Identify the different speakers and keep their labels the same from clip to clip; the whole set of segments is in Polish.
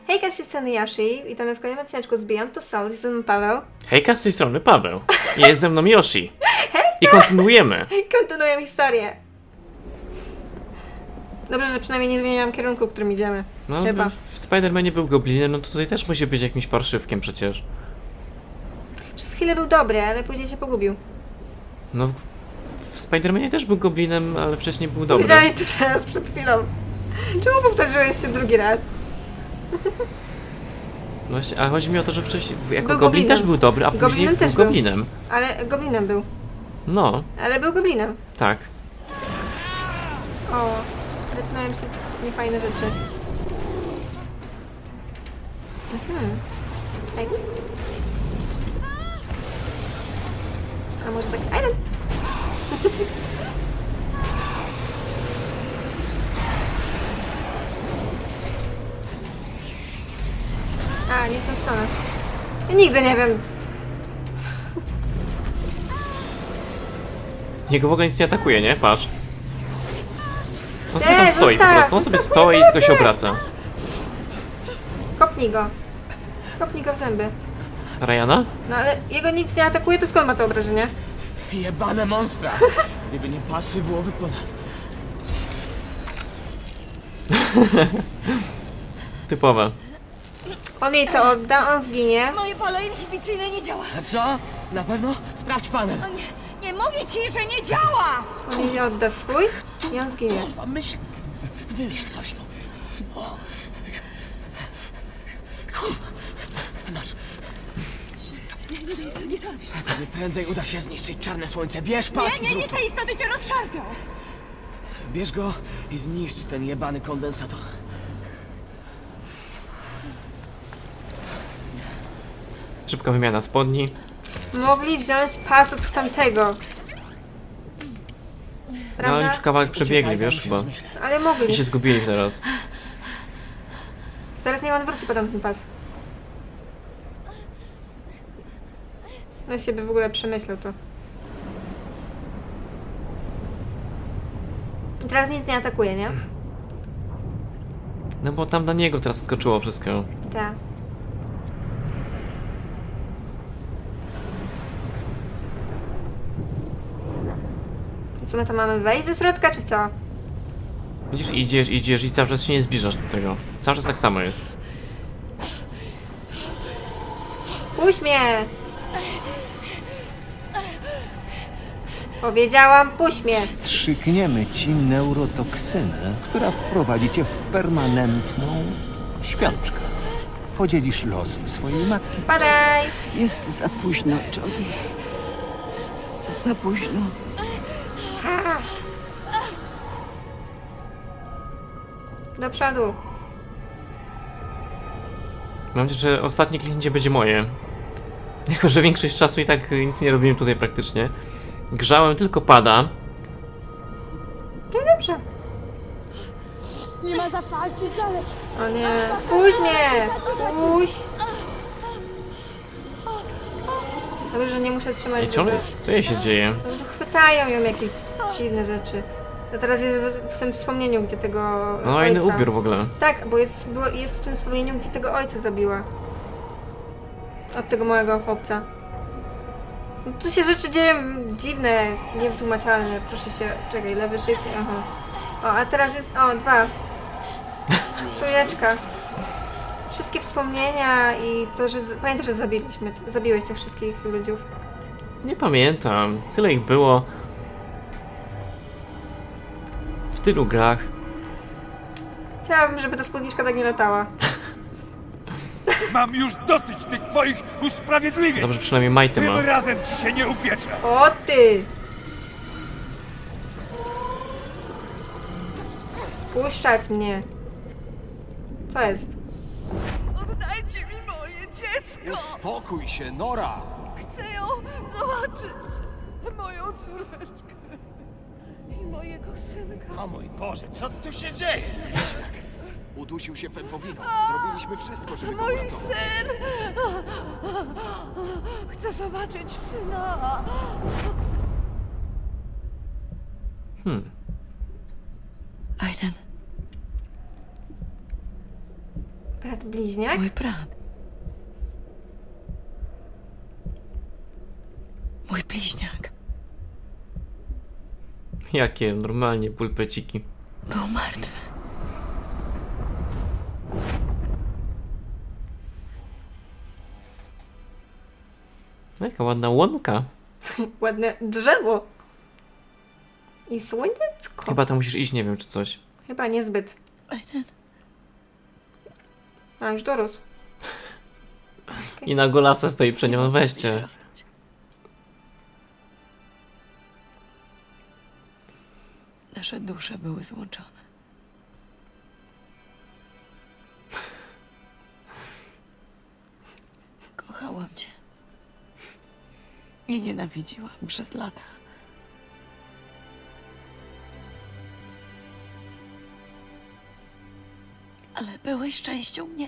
Speaker 1: Hejka, z tej strony Yoshi. Witamy w kolejnym odcineczku z Beyond Two Souls. Jestem Paweł.
Speaker 2: Hejka, z tej strony Paweł. Jest ze mną Yoshi. I kontynuujemy.
Speaker 1: Kontynuujemy historię. Dobrze, że przynajmniej nie zmieniłam kierunku, w którym idziemy.
Speaker 2: No,
Speaker 1: Chyba.
Speaker 2: w Spider-Manie był goblinem, no to tutaj też musi być jakimś parszywkiem przecież.
Speaker 1: Przez chwilę był dobry, ale później się pogubił.
Speaker 2: No, w Spider-Manie też był goblinem, ale wcześniej był dobry.
Speaker 1: Widziałeś to teraz przed chwilą. Czemu powtórzyłeś się drugi raz?
Speaker 2: Właśnie, a chodzi mi o to, że wcześniej jako
Speaker 1: Był
Speaker 2: goblin
Speaker 1: goblinem.
Speaker 2: też był dobry, a później
Speaker 1: Goblinem
Speaker 2: był
Speaker 1: też był.
Speaker 2: goblinem.
Speaker 1: Ale goblinem był.
Speaker 2: No,
Speaker 1: Ale był goblinem.
Speaker 2: tak.
Speaker 1: O, zaczynają się niefajne rzeczy. Ej. A może tak... Iron! A, nie w tą stronę. Ja nigdy nie wiem.
Speaker 2: Jego w ogóle nic nie atakuje, nie? Patrz. On sobie tam
Speaker 1: Nie,
Speaker 2: stoi po
Speaker 1: zostaw,
Speaker 2: prostu, on sobie
Speaker 1: zostaw,
Speaker 2: stoi i
Speaker 1: nie,
Speaker 2: tylko się
Speaker 1: nie.
Speaker 2: obraca.
Speaker 1: Kopnij go. Kopnij go w zęby.
Speaker 2: Ryana?
Speaker 1: No ale jego nic nie atakuje, to skąd ma to obrażenie?
Speaker 3: Jebane monstra! Gdyby nie pasy, byłoby po nas.
Speaker 2: Typowe.
Speaker 1: On jej to odda, on zginie.
Speaker 4: Moje pole inhibicyjne nie działa.
Speaker 3: A co? Na pewno? Sprawdź panem.
Speaker 4: O nie, nie mówię ci, że nie działa!
Speaker 1: On jej odda swój i on zginie.
Speaker 3: Kurwa, myśl... Wymyśl coś, no. O. Kurwa. Masz.
Speaker 4: Nie to robisz.
Speaker 3: Tobie prędzej uda się zniszczyć czarne słońce. Bierz pas i
Speaker 4: Nie,
Speaker 3: zrób to.
Speaker 4: te istoty cię rozszarpią!
Speaker 3: Bierz go i zniszcz ten jebany kondensator.
Speaker 2: Szybka wymiana spodni.
Speaker 1: Mogli wziąć pas od tamtego.
Speaker 2: No
Speaker 1: Prawda?
Speaker 2: już kawałek przebiegli,
Speaker 3: Uciekaj, zanim
Speaker 2: wiesz,
Speaker 3: się
Speaker 2: chyba.
Speaker 3: rozmyślę.
Speaker 1: Ale mogli.
Speaker 2: I się zgubili teraz.
Speaker 1: Zaraz nie on wróci po tamten pas. Na siebie w ogóle przemyślał to. I teraz nic nie atakuje, nie?
Speaker 2: No bo tam na niego teraz skoczyło wszystko.
Speaker 1: Tak. I co my tam mamy? Wejść do środka, czy co?
Speaker 2: Widzisz, idziesz i cały czas się nie zbliżasz do tego. Cały czas tak samo jest.
Speaker 1: Puść mnie! Powiedziałam, puść mnie!
Speaker 5: Strzykniemy ci neurotoksynę, która wprowadzi cię w permanentną śpiączkę. Podzielisz los swojej matki.
Speaker 1: Padaj!
Speaker 4: Jest za późno, Johnny. Za późno.
Speaker 1: Do przodu.
Speaker 2: Mam nadzieję, że ostatnie kliknięcie będzie moje. Jako, że większość czasu i tak nic nie robiłem tutaj praktycznie. Grzałem, tylko pada.
Speaker 1: No dobrze.
Speaker 6: Nie ma zafalczyć, ale
Speaker 1: O nie. Puść mnie! Puść! Dobrze, że nie muszę trzymać
Speaker 2: Ej, ciągle,
Speaker 1: zęby.
Speaker 2: co jej się dzieje?
Speaker 1: No to chwytają ją jakieś dziwne rzeczy. A teraz jest w tym wspomnieniu, gdzie tego
Speaker 2: No,
Speaker 1: ojca...
Speaker 2: inny ubiór w ogóle.
Speaker 1: Tak, bo jest w tym wspomnieniu, gdzie tego ojca zabiła. Od tego małego chłopca. No, tu się rzeczy dzieją dziwne, niewytłumaczalne. Proszę się... Czekaj, lewy szyk... Aha. O, a teraz jest... O, 2. Trójeczka. Wszystkie wspomnienia i to, że... Pamiętasz, że zabiłeś tych wszystkich ludziów.
Speaker 2: Nie pamiętam. Tyle ich było. W tylu grach.
Speaker 1: Chciałabym, żeby ta spódniczka tak nie latała.
Speaker 7: Mam już dosyć tych twoich usprawiedliwień!
Speaker 2: Dobrze, przynajmniej Majty ma.
Speaker 7: Tym razem ci się nie upieczę!
Speaker 1: O ty! Puszczać mnie. Co jest?
Speaker 4: Oddajcie mi moje dziecko!
Speaker 8: Uspokój się, Nora!
Speaker 4: Chcę ją zobaczyć! Moją córeczkę i mojego synka.
Speaker 3: O mój Boże, co tu się dzieje?
Speaker 8: Udusił się pępowiną. Zrobiliśmy wszystko, żeby go
Speaker 4: Mój
Speaker 8: uratować.
Speaker 4: syn! Chcę zobaczyć syna! Aiden.
Speaker 1: Brat bliźniak?
Speaker 4: Mój brat. Mój bliźniak.
Speaker 2: Jakie normalnie pulpeciki.
Speaker 4: Był martwy.
Speaker 2: Jaka ładna łąka.
Speaker 1: Ładne drzewo. I słoneczko.
Speaker 2: Chyba tam musisz iść, nie wiem czy coś.
Speaker 1: Chyba niezbyt.
Speaker 4: Aiden.
Speaker 1: A, już dorósł.
Speaker 2: I na golasa stoi przed nią, no
Speaker 4: Chcę się
Speaker 2: weźcie.
Speaker 4: rozstać. Nasze dusze były złączone. Kochałam cię. I nienawidziłam przez lata. Ale byłeś częścią mnie.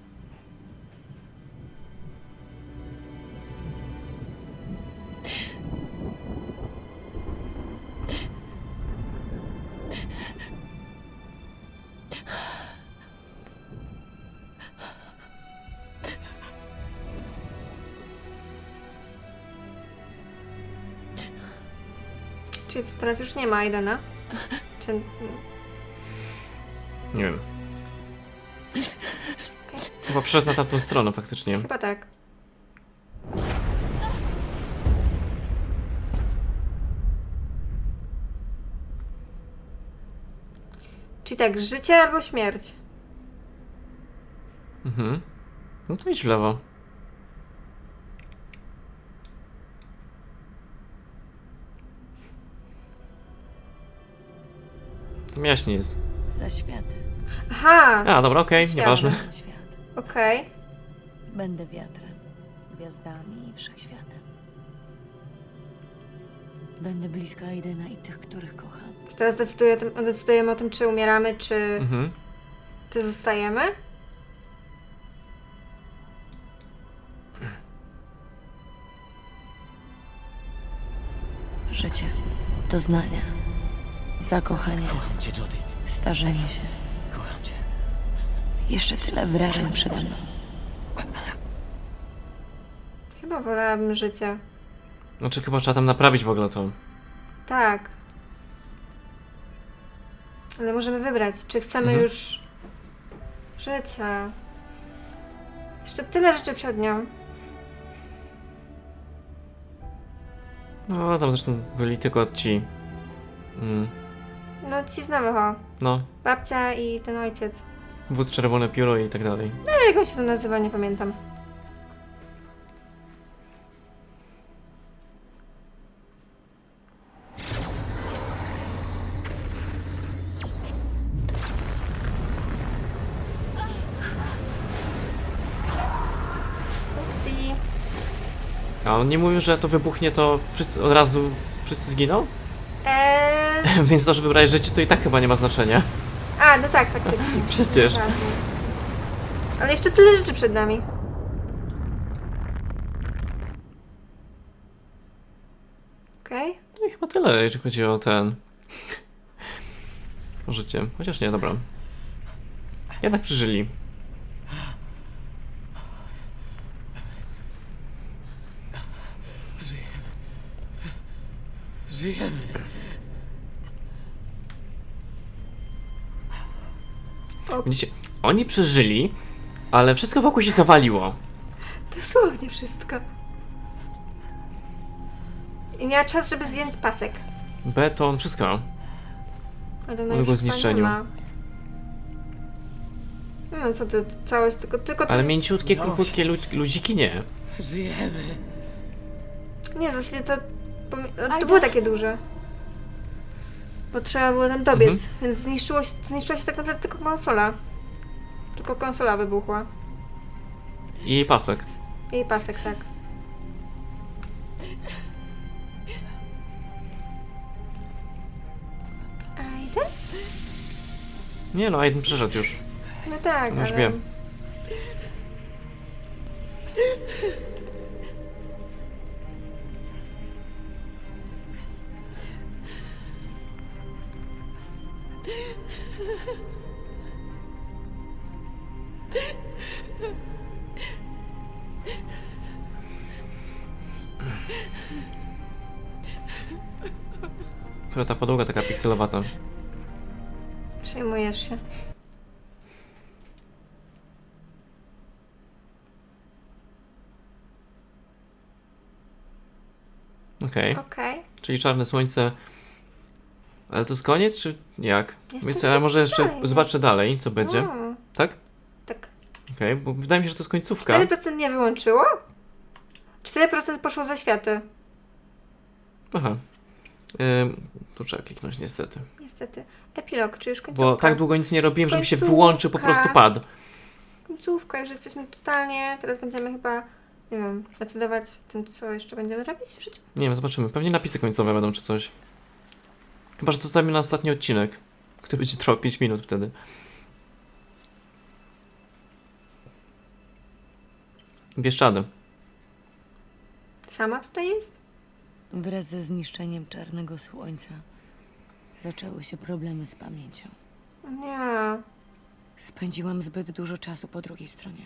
Speaker 1: Czyli co, teraz już nie ma Aidena? Czy...
Speaker 2: Nie wiem. Chyba przyszedł na tamtą stronę faktycznie.
Speaker 1: Chyba tak. Czyli tak, życie albo śmierć.
Speaker 2: Mhm. No to idź w lewo. Tam jaśnie jest.
Speaker 4: Za światy.
Speaker 1: Aha!
Speaker 2: A, dobra, okej,
Speaker 1: Świat.
Speaker 2: nieważne.
Speaker 4: Świat.
Speaker 1: Okej.
Speaker 4: Będę wiatrem, gwiazdami i wszechświatem. Będę blisko Aidena i tych, których kocham.
Speaker 1: Teraz decydujemy o tym, czy umieramy, czy zostajemy.
Speaker 4: Życie, doznania, zakochanie,
Speaker 3: Kocham cię, Jody.
Speaker 4: starzenie się.
Speaker 3: Kocham cię.
Speaker 4: Jeszcze tyle wrażeń przede mną.
Speaker 1: Chyba wolałabym życie.
Speaker 2: Znaczy chyba trzeba tam naprawić w ogóle to.
Speaker 1: Tak. Ale możemy wybrać, czy chcemy już życia. Jeszcze tyle rzeczy przed nią.
Speaker 2: No, tam zresztą byli tylko ci.
Speaker 1: No ci znamy ho.
Speaker 2: No,
Speaker 1: Babcia i ten ojciec.
Speaker 2: wódz czerwone pióro i tak dalej.
Speaker 1: No jak on się to nazywa, nie pamiętam. Upsi.
Speaker 2: A on nie mówił, że to wybuchnie, to wszyscy od razu wszyscy zginą? Więc to, że wybrałeś życie, to i tak chyba nie ma znaczenia.
Speaker 1: A, no tak, faktycznie.
Speaker 2: Przecież.
Speaker 1: Ważne. Ale jeszcze tyle rzeczy przed nami. Okej.
Speaker 2: No i chyba tyle, jeżeli chodzi o ten... o życie. Chociaż nie, dobra. Jednak przeżyli.
Speaker 3: Żyjemy.
Speaker 2: Widzicie, oni przeżyli, ale wszystko wokół się zawaliło.
Speaker 1: Dosłownie wszystko. I miała czas, żeby zdjąć pasek.
Speaker 2: Beton, wszystko.
Speaker 1: Ale no
Speaker 2: Uległo
Speaker 1: już chyba
Speaker 2: zniszczeniu.
Speaker 1: nie ma. No co ty, całość, tylko
Speaker 2: Ale
Speaker 1: to...
Speaker 2: mięciutkie, krótkie ludziki nie.
Speaker 3: Żyjemy.
Speaker 1: Nie, w zasadzie to... To było takie duże. Bo trzeba było tam dobiec, więc zniszczyła się tak naprawdę tylko konsola. Tylko konsola wybuchła.
Speaker 2: I jej pasek.
Speaker 1: I pasek, tak. Aiden?
Speaker 2: Nie no, Aiden przeszedł już.
Speaker 1: No tak,
Speaker 2: Już
Speaker 1: ale...
Speaker 2: wiem. Która ta podłoga taka pikselowata.
Speaker 1: Przejmujesz się.
Speaker 2: Okej.
Speaker 1: Okej.
Speaker 2: Czyli czarne słońce. Ale to jest koniec, czy jak?
Speaker 1: Jeszcze
Speaker 2: Więc ja
Speaker 1: nic
Speaker 2: może jeszcze
Speaker 1: dalej
Speaker 2: zobaczę dalej, co będzie. Tak?
Speaker 1: Tak.
Speaker 2: Okej, bo wydaje mi się, że to jest końcówka.
Speaker 1: 4% nie wyłączyło? 4% poszło za światy.
Speaker 2: Aha. Tu trzeba kliknąć niestety.
Speaker 1: Niestety. Epilog, czy już końcówka?
Speaker 2: Bo tak długo nic nie robiłem, żeby się
Speaker 1: Końcówka.
Speaker 2: wyłączył, po prostu padł.
Speaker 1: Końcówka, już jesteśmy totalnie... Teraz będziemy chyba, nie wiem, decydować tym, co jeszcze będziemy robić w życiu.
Speaker 2: Nie wiem, zobaczymy. Pewnie napisy końcowe będą czy coś. Chyba, że to zostawimy na ostatni odcinek, który będzie trwał 5 minut wtedy. Bieszczady.
Speaker 1: Sama tutaj jest?
Speaker 4: Wraz ze zniszczeniem czarnego słońca zaczęły się problemy z pamięcią.
Speaker 1: Nie.
Speaker 4: Spędziłam zbyt dużo czasu po drugiej stronie.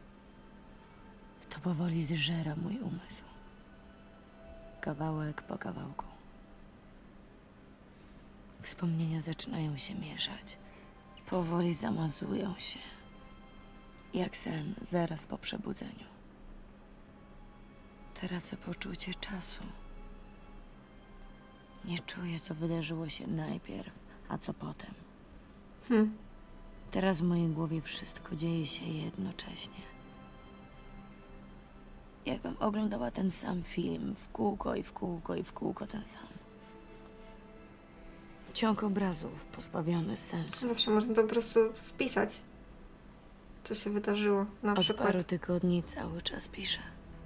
Speaker 4: To powoli zżera mój umysł. Kawałek po kawałku. Wspomnienia zaczynają się mieszać. Powoli zamazują się. Jak sen zaraz po przebudzeniu. Tracę poczucie czasu. Nie czuję, co wydarzyło się najpierw, a co potem. Teraz w mojej głowie wszystko dzieje się jednocześnie. Jakbym oglądała ten sam film w kółko i w kółko i w kółko ten sam. Ciąg obrazów pozbawiony sensu.
Speaker 1: Zawsze można to po prostu spisać, co się wydarzyło. Na
Speaker 4: Od
Speaker 1: przykład.
Speaker 4: paru tygodni cały czas piszę.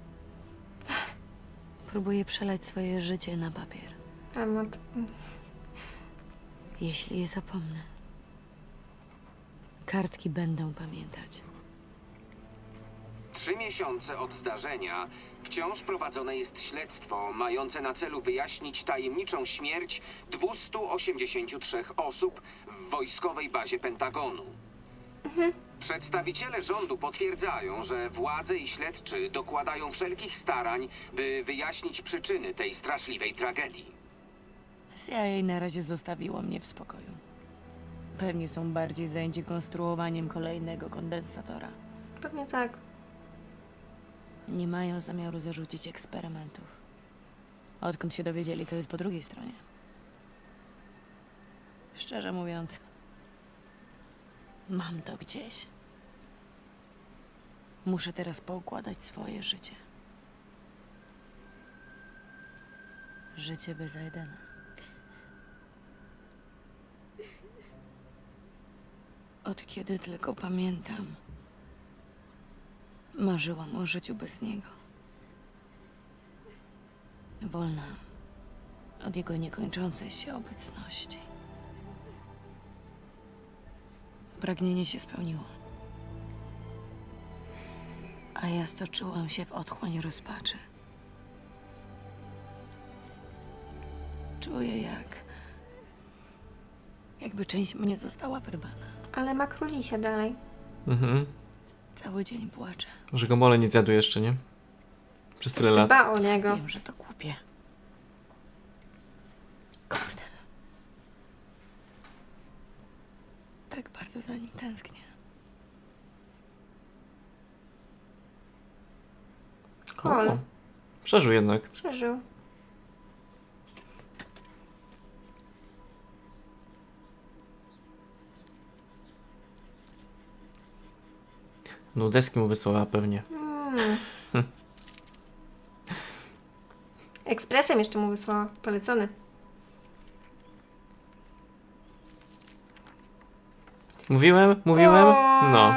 Speaker 4: Próbuję przelać swoje życie na papier.
Speaker 1: Temat.
Speaker 4: Jeśli je zapomnę, kartki będą pamiętać.
Speaker 9: 3 miesiące od zdarzenia wciąż prowadzone jest śledztwo mające na celu wyjaśnić tajemniczą śmierć 283 osób w wojskowej bazie Pentagonu. Przedstawiciele rządu potwierdzają, że władze i śledczy dokładają wszelkich starań, by wyjaśnić przyczyny tej straszliwej tragedii.
Speaker 4: CIA na razie zostawiło mnie w spokoju. Pewnie są bardziej zajęci konstruowaniem kolejnego kondensatora.
Speaker 1: Pewnie tak.
Speaker 4: Nie mają zamiaru zarzucić eksperymentów. Odkąd się dowiedzieli, co jest po drugiej stronie. Szczerze mówiąc, mam to gdzieś. Muszę teraz poukładać swoje życie. Życie bez Aidena. Od kiedy tylko pamiętam, marzyłam o życiu bez niego. Wolna od jego niekończącej się obecności. Pragnienie się spełniło. A ja stoczyłam się w otchłań rozpaczy. Czuję, jakby część mnie została wyrwana.
Speaker 1: Ale ma królisia dalej.
Speaker 2: Mhm.
Speaker 4: Cały dzień płaczę.
Speaker 2: Może go mole nie zjadł jeszcze, nie? Przez tyle lat.
Speaker 1: Dba o niego.
Speaker 4: Wiem, że to głupie. Kurde. Tak bardzo za nim tęsknię.
Speaker 1: Kol.
Speaker 2: O, przeżył jednak.
Speaker 1: Przeżył.
Speaker 2: No deski mu wysłała pewnie.
Speaker 1: Ekspresem jeszcze mu wysłała. Polecony.
Speaker 2: Mówiłem? No.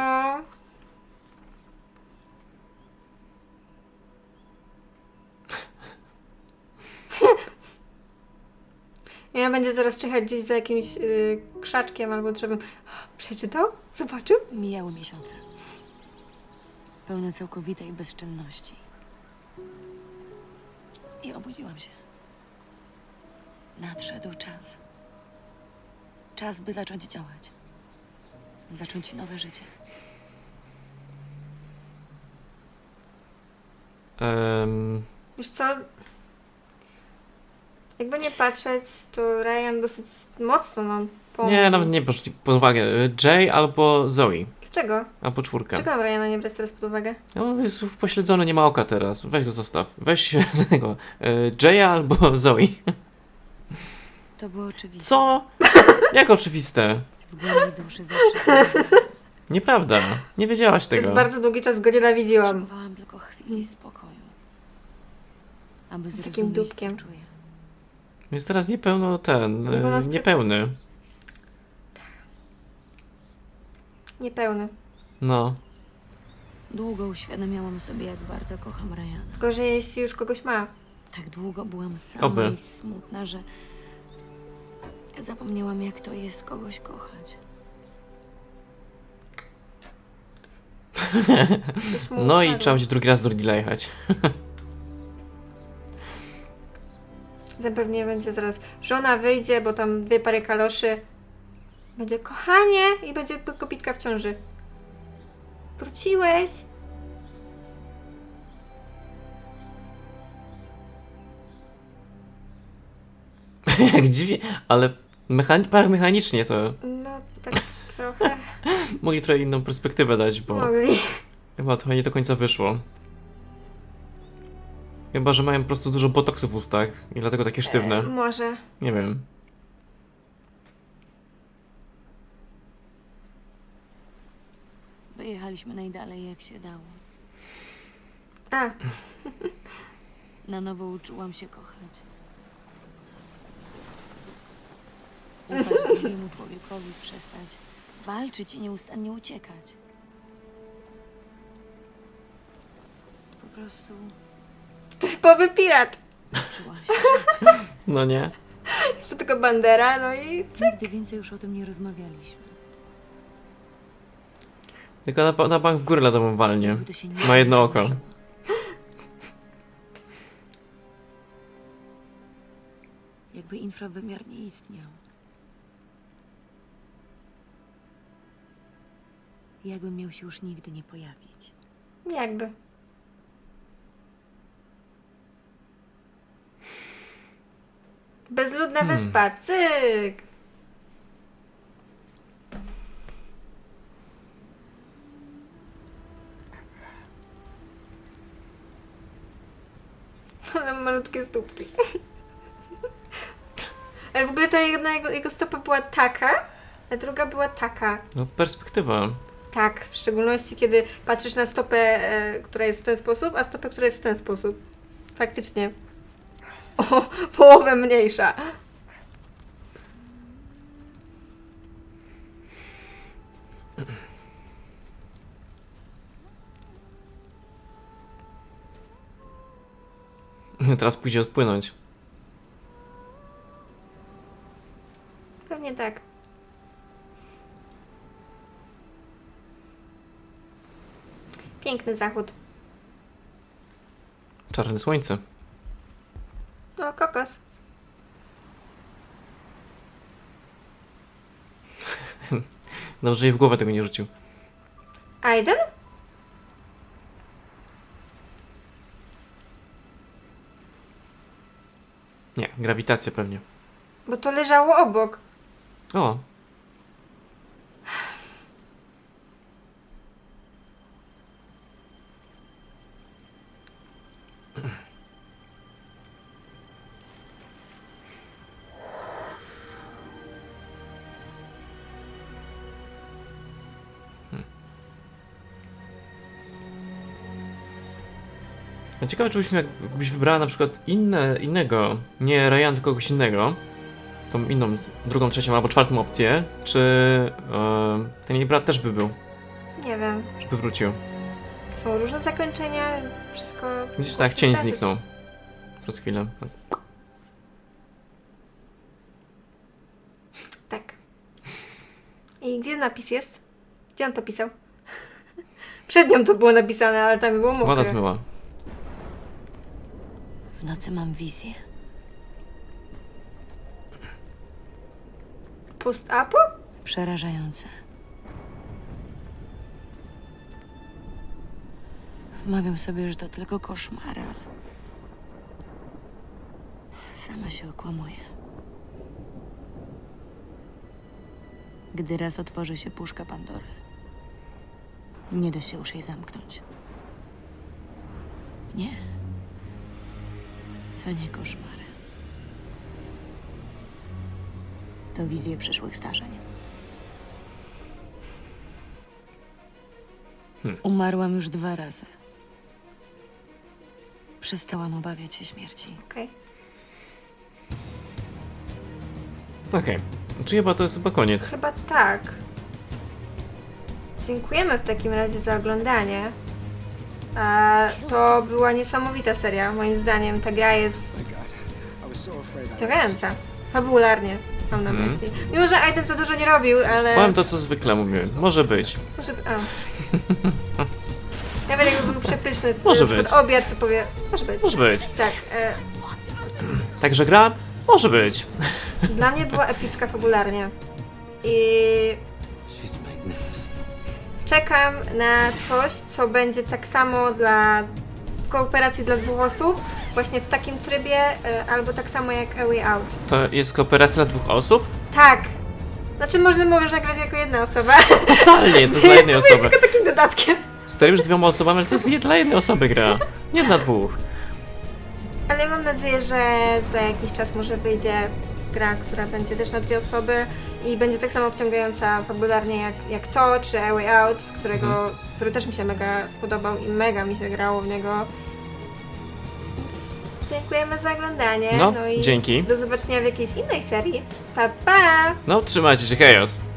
Speaker 1: Ja będzie zaraz czekać gdzieś za jakimś krzaczkiem albo drzewem. Przeczytał? Zobaczył?
Speaker 4: Mijały miesiące. Pełne całkowitej bezczynności. I obudziłam się. Nadszedł czas. Czas, by zacząć działać. Zacząć nowe życie.
Speaker 1: Wiesz co? Jakby nie patrzeć, to Ryan dosyć mocno nam pomógł.
Speaker 2: Nie, nawet nie poszli pod uwagę. Jay albo Zoe.
Speaker 1: Dlaczego?
Speaker 2: Albo czwórka.
Speaker 1: Czego mam Ryana nie brać teraz pod uwagę?
Speaker 2: No, jest pośledzony, nie ma oka teraz. Weź go zostaw. Weź tego. Jaya albo Zoe.
Speaker 4: To było oczywiste.
Speaker 2: Co? Jak oczywiste?
Speaker 4: W głębi duszy zawsze
Speaker 2: Nieprawda. Nie wiedziałaś
Speaker 1: Przez
Speaker 2: tego.
Speaker 1: bardzo długi czas go nienawidziłam.
Speaker 4: potrzebowałam tylko chwili spokoju, aby
Speaker 1: Takim
Speaker 4: zrozumieć, co
Speaker 1: dupkiem.
Speaker 4: czuję.
Speaker 2: Jest teraz niepełno niepełny.
Speaker 1: Niepełny.
Speaker 2: No.
Speaker 4: Długo uświadamiałam sobie, jak bardzo kocham Ryana.
Speaker 1: Gorzej, jeśli już kogoś ma.
Speaker 4: Tak długo byłam sama
Speaker 2: Oby.
Speaker 4: i smutna, że zapomniałam, jak to jest kogoś kochać.
Speaker 1: Coś mu
Speaker 2: No i
Speaker 1: upadło.
Speaker 2: trzeba będzie drugi raz do Ridleya jechać.
Speaker 1: Ten pewnie będzie zaraz. Żona wyjdzie, bo tam 2 pary kaloszy. Będzie kochanie i będzie kopitka w ciąży. Wróciłeś?
Speaker 2: Jak dziwnie, ale mechanicznie to
Speaker 1: No tak trochę
Speaker 2: mogli trochę inną perspektywę dać, bo
Speaker 1: mogli.
Speaker 2: chyba trochę nie do końca wyszło. Chyba, że mają po prostu dużo botoksu w ustach i dlatego takie sztywne.
Speaker 1: Może.
Speaker 2: Nie wiem.
Speaker 4: Wyjechaliśmy najdalej, jak się dało.
Speaker 1: A,
Speaker 4: Na nowo uczyłam się kochać. Ufać drugiemu człowiekowi, przestać walczyć i nieustannie uciekać. Po prostu
Speaker 1: typowy pirat.
Speaker 4: uczyłam się.
Speaker 2: No nie.
Speaker 1: Jeszcze tylko bandera, no i
Speaker 4: Nigdy więcej już o tym nie rozmawialiśmy.
Speaker 2: Tylko na bank w górę ladową walnie.
Speaker 4: Jakby to się nigdy
Speaker 2: Ma jedno
Speaker 4: nie
Speaker 2: oko.
Speaker 4: wydarzyło. Jakby infrawymiar nie istniał. Jakby miał się już nigdy nie pojawić.
Speaker 1: jakby. Bezludna wyspa, cyk! Ale malutkie stópki. Ale w ogóle ta jedna jego stopa była taka, a druga była taka.
Speaker 2: No perspektywa.
Speaker 1: Tak, w szczególności kiedy patrzysz na stopę, która jest w ten sposób, a stopę, która jest w ten sposób. Faktycznie. O połowę mniejsza.
Speaker 2: Teraz pójdzie odpłynąć.
Speaker 1: Pewnie tak. Piękny zachód.
Speaker 2: Czarne słońce.
Speaker 1: O, kokos.
Speaker 2: Dobrze jej w głowę tego nie rzucił.
Speaker 1: Aiden?
Speaker 2: Nie, grawitacja pewnie.
Speaker 1: Bo to leżało obok.
Speaker 2: O, a ciekawe, czy jakbyś wybrała na przykład innego, nie Ryan, tylko kogoś innego, tą inną, drugą, trzecią albo czwartą opcję, czy ten jej brat też by był,
Speaker 1: Nie wiem.
Speaker 2: żeby wrócił.
Speaker 1: Są różne zakończenia, wszystko.
Speaker 2: Widzisz,
Speaker 1: może
Speaker 2: tak,
Speaker 1: się
Speaker 2: cień
Speaker 1: zdarzyć.
Speaker 2: zniknął przez chwilę.
Speaker 1: Tak. I gdzie napis jest? Gdzie on to pisał? Przed nią to było napisane, ale tam było mokre.
Speaker 2: Woda zmyła.
Speaker 4: W nocy mam wizję.
Speaker 1: Post-apo?
Speaker 4: Przerażające. Wmawiam sobie, że to tylko koszmary, ale Sama się okłamuje. Gdy raz otworzy się puszka Pandory, nie da się już jej zamknąć. Nie. To nie koszmary. To wizje przyszłych zdarzeń. Umarłam już 2 razy. Przestałam obawiać się śmierci.
Speaker 1: Okej.
Speaker 2: Okej. Czy chyba to jest chyba koniec?
Speaker 1: Chyba tak. Dziękujemy w takim razie za oglądanie. To była niesamowita seria, moim zdaniem. Ta gra jest ciągająca. Fabularnie, mam na myśli. Mimo, że Aiden za dużo nie robił, ale...
Speaker 2: Powiem to, co zwykle mówiłem. Może być.
Speaker 1: Może... Nawet jakby był przepyszny, to
Speaker 2: Może
Speaker 1: na przykład
Speaker 2: być.
Speaker 1: obiad, to powie... Może być.
Speaker 2: Może być.
Speaker 1: Tak.
Speaker 2: Także gra? Może być.
Speaker 1: Dla mnie była epicka fabularnie. I... Czekam na coś, co będzie tak samo w kooperacji dla 2 osób, właśnie w takim trybie, albo tak samo jak A Way Out.
Speaker 2: To jest kooperacja dla 2 osób?
Speaker 1: Tak! Znaczy możesz nagrać jako jedna osoba.
Speaker 2: Totalnie, to dla jednej
Speaker 1: To
Speaker 2: osoby.
Speaker 1: jest tylko takim dodatkiem.
Speaker 2: Stary już 2 osobami, ale to jest dla jednej osoby gra. Nie dla 2.
Speaker 1: Ale mam nadzieję, że za jakiś czas może wyjdzie gra, która będzie też na 2 osoby i będzie tak samo wciągająca fabularnie jak to, czy A Way Out, który też mi się mega podobał i mega mi się grało w niego. Więc dziękujemy za oglądanie.
Speaker 2: No,
Speaker 1: I
Speaker 2: dzięki.
Speaker 1: do zobaczenia w jakiejś innej serii. Pa, pa!
Speaker 2: No, trzymajcie się, chaos.